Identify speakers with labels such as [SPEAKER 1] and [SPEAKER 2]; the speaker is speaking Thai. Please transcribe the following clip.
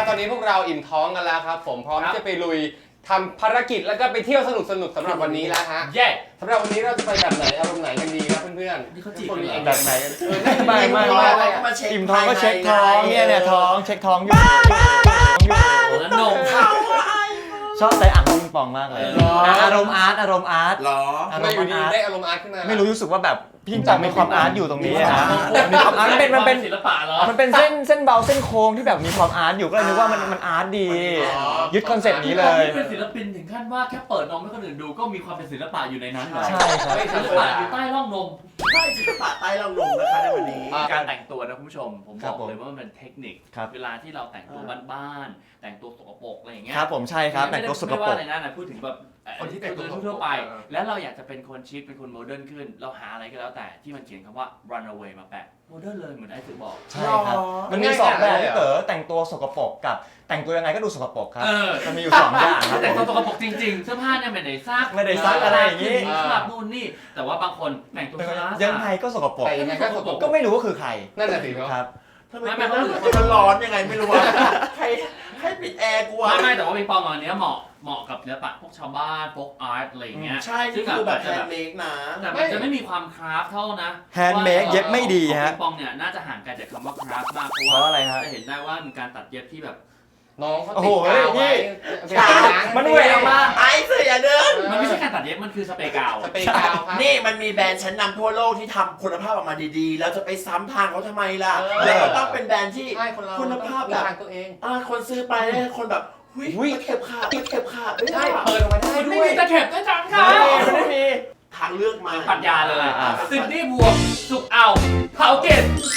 [SPEAKER 1] ตอนนี้พวกเราอิ่มท้องกันแล้วครับผมพร้อมที่จะไปลุยทำภารกิจแล้วก็ไปเที่ยวสนุกสำหรับวันนี้แล้วฮะ
[SPEAKER 2] เย้
[SPEAKER 1] สำหรับวันนี้เราจะไปแบบไหนอารมณ์ไหนกันดีครับเพื่อนๆ
[SPEAKER 2] นี่เขาจีบ
[SPEAKER 1] คนมี
[SPEAKER 2] กันเหรอ
[SPEAKER 1] แบบไหนกันไม่
[SPEAKER 3] อิ่มท้องก็เช็คท้องเนี่ยท้องเช็คท้องอยู่
[SPEAKER 2] แล้วนมเขา
[SPEAKER 3] ชอบใส่อ่างปิงปองมากเลยอารมณ์อาร์ต
[SPEAKER 4] หรอ
[SPEAKER 1] ทำไมอยู่ดีได้อารมณ์อาร์ตขึ้นมา
[SPEAKER 3] ไม่รู้สึกว่าแบบพี่จังมีความอาร์ตอยู่ตรงนี้นะมีความอาร์ตมันเป็น
[SPEAKER 2] ศิลปะเหรอ
[SPEAKER 3] มันเป็นเส้นเบาเส้นโค้งที่แบบมีความอาร์ตอยู่ก็เลยนึกว่ามันอาร์ตดียึดคอนเซ็ปต์นี้เลย
[SPEAKER 2] เป็นศิลปินถึงขั้นว่าแค่เปิดนมให้คนอื่นดูก็มีความเป็นศิลปะอยู่ในนั้นเลย
[SPEAKER 3] ใช่ครับ
[SPEAKER 2] ศิลปะอยู่ใต้ร่องนม
[SPEAKER 4] ใช่ศิลปะใต้เราลงนะคะในวันนี้
[SPEAKER 2] การแต่งตัวนะคุณผู้ชมผม
[SPEAKER 3] ครับ
[SPEAKER 2] บอกเลยว่ามันเป็นเทคนิค
[SPEAKER 3] ครับ
[SPEAKER 2] เวลาที่เราแต่งตัวบ้านๆแต่งตัวสกปรกอะไรอย่างเงี้ย
[SPEAKER 3] ครับผมใช่ครับแต่งตัวสก
[SPEAKER 2] ไม่
[SPEAKER 3] ปร
[SPEAKER 2] ว่าก อะไรนะพูดถึงแบบ
[SPEAKER 1] คนที่แต่งตัว
[SPEAKER 2] ทั่วไป แล้วเราอยากจะเป็นคนชิคเป็นคนโมเดิร์นขึ้น เราหาอะไรก็แล้วแต่ที่มันเขียนคำว่า runaway มาแปะโมเดิร์นเลยเหมือนไอ้สื่อบอก
[SPEAKER 3] ใช่ครับมันมี2แบบที่แต่งตัวสกปรกกับแต่งตัวยังไงก็ดูสกปรกครับมันมีอยู่2อย่างครับ
[SPEAKER 2] แต่งตัวสกปรกจริงๆเสื้อผ้าเนี่ยไม่ได้ซัก
[SPEAKER 3] ไม่ได้ซักอะไรอย่างงี้
[SPEAKER 2] คราบนู่นนี่แต่ว่าบางคนแต่งตัวสะอาด
[SPEAKER 3] ยังไงก็สกปรก
[SPEAKER 1] แต่ยังไงก็สกปรก
[SPEAKER 3] ก็ไม่รู้ว่าคือใคร
[SPEAKER 1] นั่นแหละสิเนาะ
[SPEAKER 3] ครับ
[SPEAKER 4] ทำไมเป็นมันร้อนยังไงไม่รู้ว่าให้ปิดแอร์กูวะ
[SPEAKER 2] ไม่แต่ว่าปิงปองอันเนี้ยเหมาะกับศิลปะพวกชาวบ้านพวกอาร์ตอะไรอย่างเงี้ย
[SPEAKER 4] ใช่นี่คือแบบแฮนด์เมดนะ
[SPEAKER 2] แต่มันจะไม่มีความคราฟเท่านะ
[SPEAKER 3] handmade เย็บไม่ดีฮะ
[SPEAKER 2] ปิงปองเนี่ยน่าจะห่างไกลจากคำว่าคราฟมากเพ
[SPEAKER 3] เพ
[SPEAKER 2] ราะ
[SPEAKER 3] ราะ
[SPEAKER 2] ว่า
[SPEAKER 3] อะไรฮะ
[SPEAKER 2] จะเห็นได้ว่ามีการตัดเย็บที่แบบ
[SPEAKER 1] น้องเขา
[SPEAKER 3] โอ้
[SPEAKER 1] ติ
[SPEAKER 3] โห
[SPEAKER 1] ดกาวไว้
[SPEAKER 3] มันเหวี่ยงมา
[SPEAKER 4] ไอ้เสืออย่าเดิน
[SPEAKER 2] มันไม่ใช่การตัดเย็บมันคือสเปรย์กาว
[SPEAKER 1] สเปรย์กาวครับ
[SPEAKER 4] นี่มันมีแบรนด์ชั้นนำทั่วโลกที่ทำคุณภาพออกมาดีๆ แล้วจะไปซ้ำทางเขาทำไมล่ะ
[SPEAKER 1] เออ
[SPEAKER 4] แล้วก็ต้องเป็นแบรนด์ที่
[SPEAKER 1] ใช่คนเรา
[SPEAKER 4] คุณภาพแบบ
[SPEAKER 1] ทางตัวเอง
[SPEAKER 4] คนซื้อไปแล้วคนแบบหุ้ยตะเข็บขาดตะเข็บขาด
[SPEAKER 1] ใช่เปิดออกมาได้
[SPEAKER 2] ไม่
[SPEAKER 1] ด้วย
[SPEAKER 2] มีตะเข็บด้วยจังค่ะ
[SPEAKER 3] ไม่มี
[SPEAKER 4] ทางเลือกมา
[SPEAKER 2] ปัญญาเลยซินดี้บวกสุกเอาเผาเกต